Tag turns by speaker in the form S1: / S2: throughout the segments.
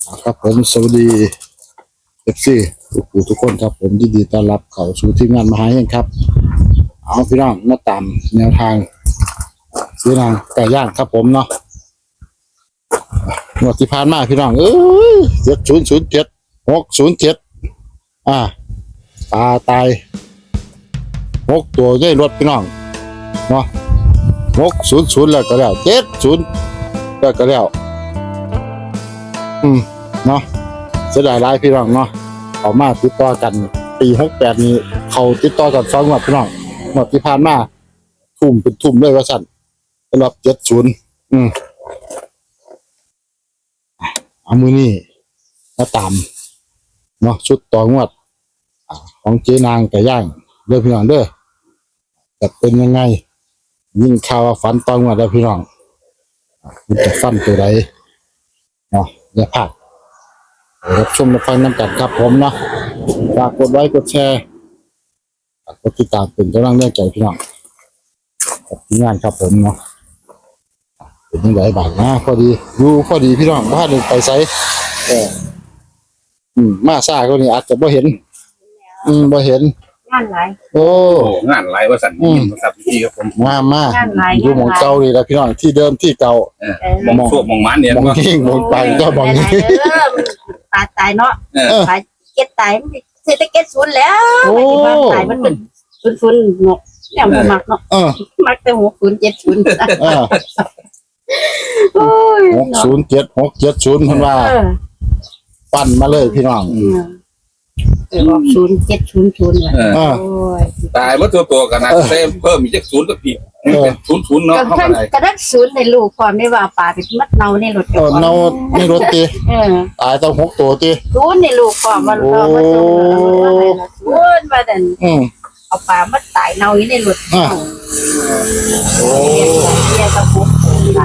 S1: ครับผมสวัสดีเอฟซีทุกคนครับผมยินดีต้อนรับเข้าสู่ทีมงานมหาเฮงครับเอาพี่น้องมาตามแนวทางซื้อนางไก่ย่างครับผมเนาะงวดที่ผ่านมาพี่น้อง7007 607ปลาตาย6 ตัวได้รถพี่น้องเนาะ600แล้วก็แล้ว70แล้วก็แล้วเนาะเสียดายหลายพี่น้องเนาะเขามาติดต่อกันปี68นี้เขาติดต่อกัน2 งวดพี่น้องงวดที่ผ่านมาทุ่มเป็นทุ่มเลยว่าสั่นสำหรับ70เอามือนี่มาตามเนาะชุดต่องวดของเจ๊นางไก่ย่างเด้อพี่น้องเด้อจะเป็นยังไงยิ่งข่าวว่าฝันต่องวดแล้วพี่น้องมันจะฟันตัวใดเนาะอย่าพลาดรับชมรับฟังน้ำกันครับผมเนาะฝากกดไลค์กดแชร์กดติดตามเป็นกำลังใจพี่น้องกับทีมงานครับผมเนาะเป็นยังไงบ้างนะพอดีอยู่พอดีพี่น้องบ้านหนึ่งไปไซมาซ่าก็นี่อาจจะบ่เห็นบ่เห็น
S2: งานหลาย
S1: โอ้
S3: งานหลายว่าสั่นครับพี่ครับผม
S1: มาอยู่หมองเก่านี่แหละพี่น้องที่เดิมที่เก่า
S3: หมองโซ่หมองมันเนี่ย
S1: มองทิ้งมองไปก็มองนี้
S2: ตายเนาะตายเก็ตตายเศรษฐกิจศูนย์แล้วตายมันเป็นศูนย์งกเนี่ยมันมักเนาะมักแต่6070โอ้ย
S1: 607 670เพิ่นว่าปั้นมาเลยพี่น้อง
S2: บอก0700เลยโอ้ย
S3: ตายว่าตัวกันนะเพิ่มอีกจากศูนย์ก็ผิดเป็นศูนย์เนาะเข้าไป
S2: กระดักศูนย์ในลูกความได้ว่าป่าเป็นมัดเนาในรถ
S1: เนาในรถติตายต้อง6 ตัวติ
S2: ศูนย์ในลูกความมันก็มาส่งศูนย์มาดันเอาป่ามัดตายเนาในรถโอ้ยตะปุก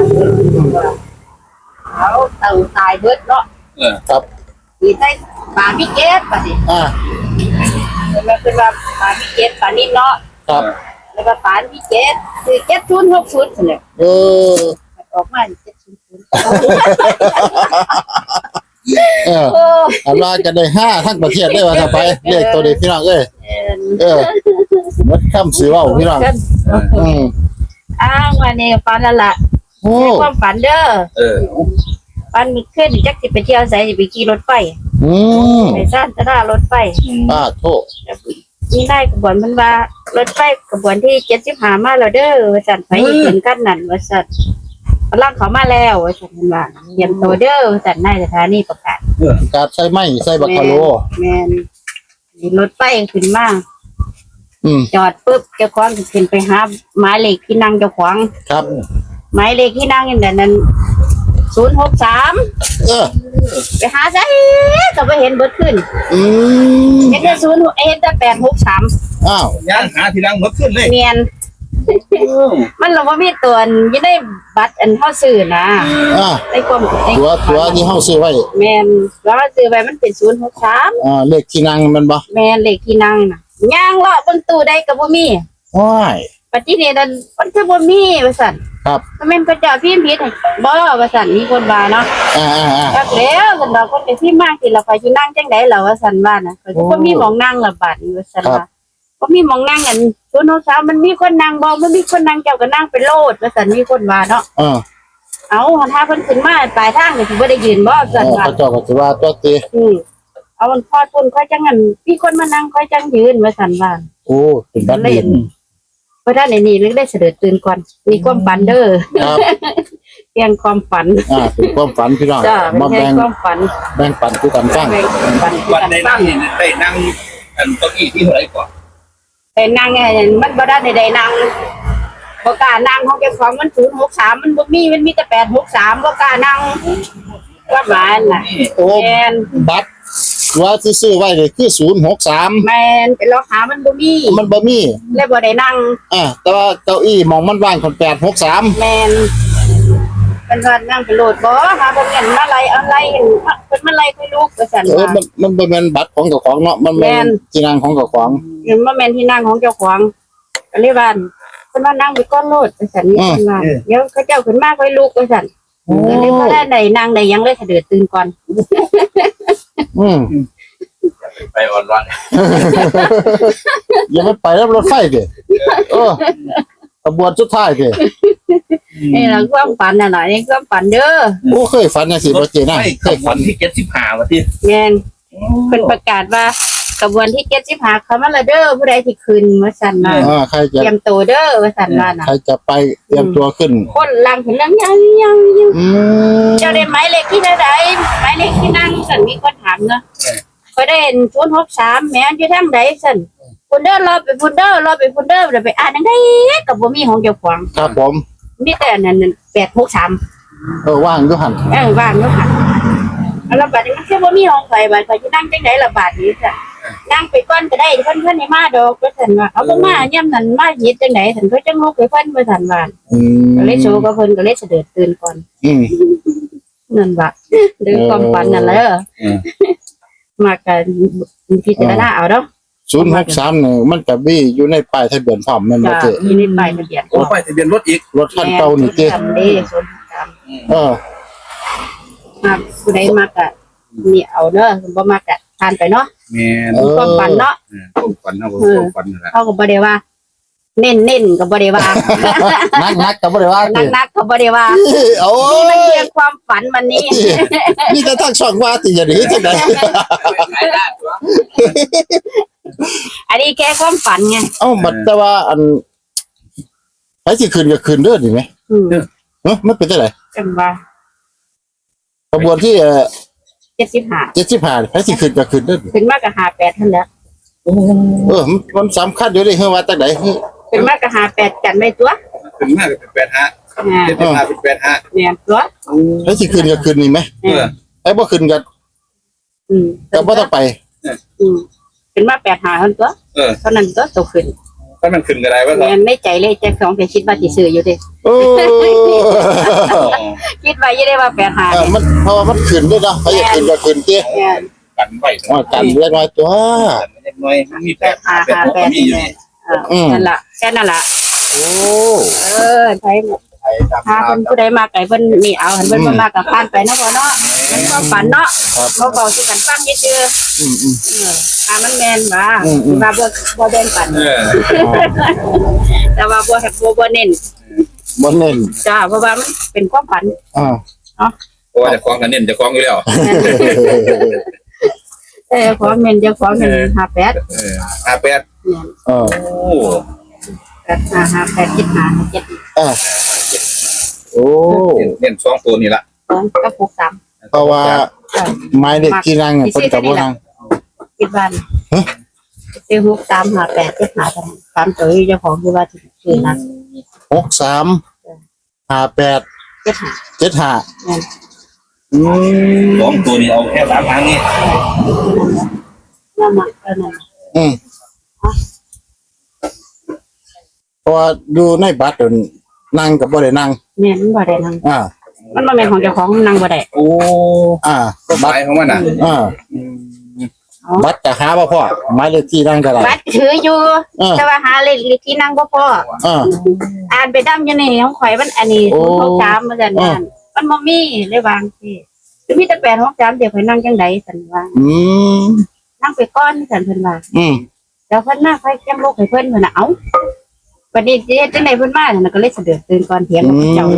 S2: เขาเต่าตายเบิดเนาะ
S1: ครับ
S2: มีได้ปลาพิเกตป่ะดิมันเป็นว่าปลาพิเกตปลานิ่เนาะ
S1: ครับ
S2: แล้วก็ปลาพิเกตคือ7060เนี่ยออกมา700
S1: อันว่าจะได้5ทั้งประเทศได้ว่าถ้าไปเลขตัวนี้พี่น้องหมดคำสิเว้าพี่น้อง
S2: วันนี้ฝันแล้วล่ะความฝันเด้อฝันมีขึ้นจักสิไปเที่ยวไสสิไปขี่รถไฟไปซ่านตะดารถไฟ
S1: โทษ
S2: นี่ได้กระบวนมันว่ารถไฟกระบวนที่75มาแล้วเด้อว่าซั่นไปถึงกันนั่นว่าซั่นกำลังเข้ามาแล้วว่าซั่นมันว่าเตรียมตัวเด้อว่าซั่นในสถานีประ
S1: กาศใส่ไม้ใส่บักกะโล
S2: แม่นรถไฟขึ้นมาจอดปุ๊บเจ้าของขึ้นไปหาหมายเลขที่นั่งเจ้าของ
S1: ครับ
S2: หมายเลขที่นั่งนั้น063ไปหาซะก็บ่เห็นเบิดขึ้นเห็นแต่0เห็นแต่863
S3: ย่างหาที่นั่งหมดขึ้นเลย
S2: เนียนมันเราบ่มีตัวอยู่ในบัตรอันเฮาซื้อนะในความ
S1: ตัวที่เฮาซื้อไว้
S2: แม่นแล้วซื้อไว้มันเป็น063
S1: เลขที่นั่งมันบ่
S2: แม่นเลขที่นั่งน่ะย่างเลาะบนตู้ได้ก็บ่มี
S1: โอ้ย
S2: ปัจจุบันนั้นมันคือบ่มีว่าซั่น
S1: ครับ
S2: แม่นพระเจ้าพิมพ์ผิดบ่ว่าซั่นมีคนว่าเนาะครับแล้วซั่นดอกคนไปพิมพ์มาสิเราไปสินั่งจังได๋ล่ะว่าซั่นว่าน่ะก็บ่มีหม้องนั่งละบาดนี้ว่าซั่นว่าบ่มีหม้องนั่งอัน063มันมีคนนั่งบ่มันมีคนนั่งเจ้าก็นั่งไปโลดว่าซั่นมีคนว่าเนาะเอาถ้าเพิ่นขึ้นมาปลายทางก็สิบ่ได้ยืนบ่ซั่นว่า
S1: เจ้าก็สิว่าตัวติ
S2: เอามันพอดพุ่นค่อยจังอันมีคนมานั่งค่อยจังยืนว่าซั่นว่า
S1: โอ้เป็นบัดนี้
S2: เพราะท่านในนี้นึกได้เสด็จตื่นก่อนมีความฝันเด้อ
S1: ครับ
S2: เพียงความฝัน
S1: เป็นความฝันพี่น้อง
S2: มาแบ่งความฝัน
S1: แบ่งปันคือกันฟัง
S3: วันได้นั่งนี่ได้นั่งอันเก้าอี้ที่เท่าไหร่ก่อน
S2: แต่นั่งมันบ่ได้ได้นั่งบ่กล้านั่งของเจ้าของมัน063มันบ่มีมันมีแต่863บ่กล้านั่งว่าหมายน่ะ
S1: โอ้บัตรว่าที่ซื้อไว้เลยคือ063
S2: แม่นไปรอหามันบ่มีเลยบ่ได้นั่ง
S1: แต่ว่าเก้าอี้มองมันว่างคน863
S2: แม่นเป็นว่านั่งไปโหลดบ่หาบ่เห็นมาไล่อะไรเห็นเพิ่นมาไล่ค่อยลุกว่าซั่นว่า
S1: มันบ่แม่นบัตรของเจ้าของเนาะมันแม่นที่นั่งของเจ้าของ
S2: มันแม่นที่นั่งของเจ้าของก็เลยว่าเพิ่นว่านั่งไปก่อนโลดว่าซั่นนี่เพิ่นว่าเดี๋ยวเขาเจ้าขึ้นมาค่อยลุกว่าซั่นก็เลยบ่ได้นั่งได้ยังเลยเสด็จตื่นก่อน
S1: อืม
S3: ไปอ่อนร้อน
S1: อย่าไปแล้วรถไฟดิขบวนสุดท้ายดิ
S2: นี่ล่ะความฝันน่ะล่ะนี่ความฝันเด้อ
S1: โอ้เคยฝันจังซี่บ่เจนะ
S3: ไม่
S1: เคย
S3: ขบว
S1: ฝั
S3: น
S1: น
S3: ที่75ว่าที่
S2: แม่นเพิ่นประกาศว่ากระบวนที่75เขามาละเด้อผู้ใดที่ขึ้นว่าซั่นว่า
S1: ใครจะ
S2: เตรียมตัวเด้อว่าซั่นว่าน่ะ
S1: ใครจะไปเตรียมตัวขึ้น
S2: คนลังถึงลังยังเจ้าได้หมายเลขที่ใดหมายเลขที่นั่งซั่นมีคนถามเนาะก็ได้063แม่นอยู่ทางใดซั่นพุ่นเด้อรอไปพุ่นเด้อเดี๋ยวไปอ่านจังได๋ก็บ่มีของเจ้าของ
S1: ครับผม
S2: มีแต่อันนั้น863
S1: ว่างอยู่หั่น
S2: ว่างเนาะค่ะแล้วบัดนี้มันคือบ่มีห้องไฟบัดเขาสินั่งจังได๋ล่ะบาดนี้จ้ะนั่งไปก่อนก็ได้เพิ่นให้มาดอกว่าซั่นว่าเอาบ่มายามนั้นมาเฮ็ดจังได๋ซั่นเพิ่นจังลุกไปเพิ่นว่าซั่นว่าก็เลยโชว์กับเพิ่นก็เลยเสด็จตื่นก่อน นั่นว่าหรือความฝันนั่นแหละมากันพิจารณาเอาเนาะ
S1: 063นี่มันก็มีอยู่ในป้ายทะเบียนพร้อมแม่นบ่
S2: จ้ะ
S1: เจ
S2: มีในป้ายทะเบียน
S3: โอ้ไปทะเบียนรถอีก
S1: รถคันเก่านี่เจ
S2: จำได้ส่วนจ มาผู้ใดมากะนี่เอาเด้อบ่มากะทานไปเนาะ
S3: แม่น
S2: ความฝันเนาะ
S3: ความฝันเอาความฝันนั่นแหละ
S2: เขาก็บ่ได้ว่า เน้นก็บ่ได้ว่า
S1: นักก็บ่ได้ว่าเจ
S2: นักก็บ่ได้ว่า
S1: โอ้
S2: นี่มัน
S1: ย
S2: เพียงความฝันมันนี่
S1: นี่แต่ทางช่องว่าติอย่าหนีจังได๋
S2: อันนี้แค่ความฝันไง
S1: บัดแต่ว่าอันไผสิขึ้นก็ขึ้นเด้อนี่แหม มันเป็นจังได๋
S2: จังว่า
S1: ขบวนที่
S2: 75
S1: 75ไผสิขึ้นก็ขึ้นเด้อ
S2: ขึ้นมากะ58ท่านแล้ว
S1: มันสำคัญอยู่ดิเฮาว่าจังได๋
S2: ขึ้นมากะ58กันไว้ตัว
S3: ถึงมากก็เป็น85 75เป็น85
S2: แม่นตัว
S1: ไผสิขึ้นก็ขึ้นนี่แหมไอ้บ่ขึ้นก็บ่ต้องไป
S2: ขึ้นมา85เท่าตัวเท่านั้นตัวโตขึ้น
S3: ถ้ามันขึ้นก็ได้ว่า
S2: แม่นในใจเลยแจ็ค2ไปคิดว่าสิซื้ออยู่ดิ
S1: โอ้
S2: คิดว่าอยู่ได้ว่า85
S1: มันเพราะว่ามันขึ้นด้วยเนาะไผอยากขึ้นก็ขึ้นติ
S2: แม่น
S3: กันไว้
S1: ว่ากันเรียกน้อยตัว
S3: เล็กน้อยมี8 8มีอยู่นี่
S2: นั่นล่ะแค่นั้นล่ะ
S1: โอ้
S2: ใช้ถ้าเพิ่นผู้ใดมาไกลเพิ่นนี่เอาเพิ่นบ่มาก็ผ่านไปเนาะพ่อเนาะมันความฝันเนาะเขาเว้าสู่กันฟังซื่อๆถ้ามันแม่นว่าบ่แบ่งปันแต่ว่าบ่เน้น
S1: บ่เน้น
S2: จ้าเพราะว่ามันเป็นความฝัน
S3: เพราะว่าจะคล้องกันเน้นจะคล้องอยู่แล้ว
S2: ความเน้นเจ้าของเน้น58
S3: 58 โอ้
S2: 58 75
S1: โอ้
S3: เน้น2ตัวนี่ละ
S2: 7กับ63
S1: เพราะว่าไม้เด็กที่นั่งเพิ่นก็บ่นั่ง
S2: คิดบ้านซื้อ63 58 75 3ตัวเจ้าของคือว่าซื้อนะ
S1: 63 58 75
S3: 2ตัวนี่เอาแค่3ครั้งนี่
S2: นั่นน่ะนั่น
S1: เพราะว่าดูในบัตรนั่งก็บ่ได้นั่ง
S2: แม่นบ่ได้นั่งมันบ่แม่นของเจ้าของนั่งบ่ได้
S3: โอ้ ก็ห
S1: บั
S3: มา
S1: ตร
S3: ยของมันน่ะ
S1: บัตรจะหาบ่พอไม้เลขที่นั่งก็ได้
S2: บัตรถืออยู่แต่ว่าหาเลขที่นั่งบ่พอ อ่านไปดำอยู่ในของข่อยมันอันนี้063ว่าซั่นนั่นมันบ่มีเลยวางสิมีแต่863เดี๋ยวข่อยนั่งจังได๋ซั่นว่านั่งไปก่อนซั่นเพิ่นว่าแล้วเพิ่นมาค่อยจังลุกให้เพิ่นเพิ่นน่ะเอ้าบัดนี้สิเฮ็ดจังได๋เพิ่นมานั่นก็เลยเสด็จตื่นก่อนเถียงกับเจ้า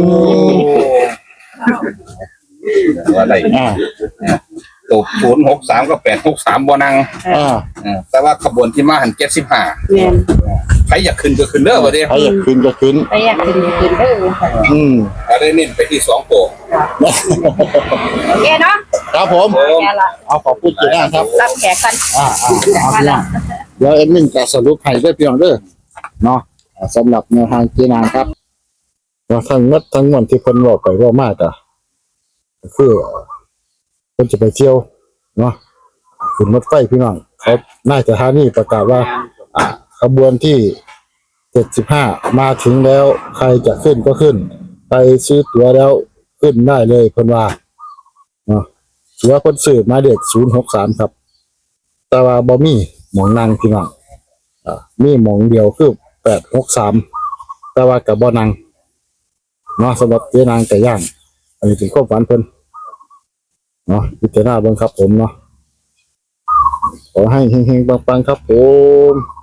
S3: อะไรตัว063กับ863บ่นั่งแต่ว่าขบวนที่มาหัน75
S2: แม่น
S3: ใครอยากขึ้นก็ขึ้นเด้อว่าเด้
S1: ใครอยากขึ้นก็ขึ้น
S2: ไปอยากขึ้นเด้อ
S3: อะไรเน้นไปที่2ตัว
S2: โอเคเนาะ
S1: ครับผม
S2: แค่ละ
S1: เอาขอบคุณจีน่าครับ
S2: รับแขกกัน
S1: เดี๋ยวเอ็มมินจะสรุปให้ด้วยพี่น้องเด้อเนาะสำหรับแนวทางจีน่าครับทั้งหมดที่เพิ่นบอกไปว่ามากอ่ะคือเพิ่นจะไปเที่ยวเนาะขึ้นรถไฟพี่น้องเขาน่าจะท่านี่ประกาศว่าขบวนที่75มาถึงแล้วใครจะขึ้นก็ขึ้นไปซื้อตั๋วแล้วขึ้นได้เลยเพิ่นว่าเนาะตั๋วคนซื้อมาเด็ก063ครับแต่ว่าบ่มีหมองนั่งพี่น้องมีหมองเดียวคือ863แต่ว่าก็บ่นั่งเนาะสำหรับเจ๊นางไก่ย่างอันนี้เป็นความฝันเพิ่นเนาะพิจารณาเบิ่งครับผมเนาะขอให้เฮงๆปังๆครับผม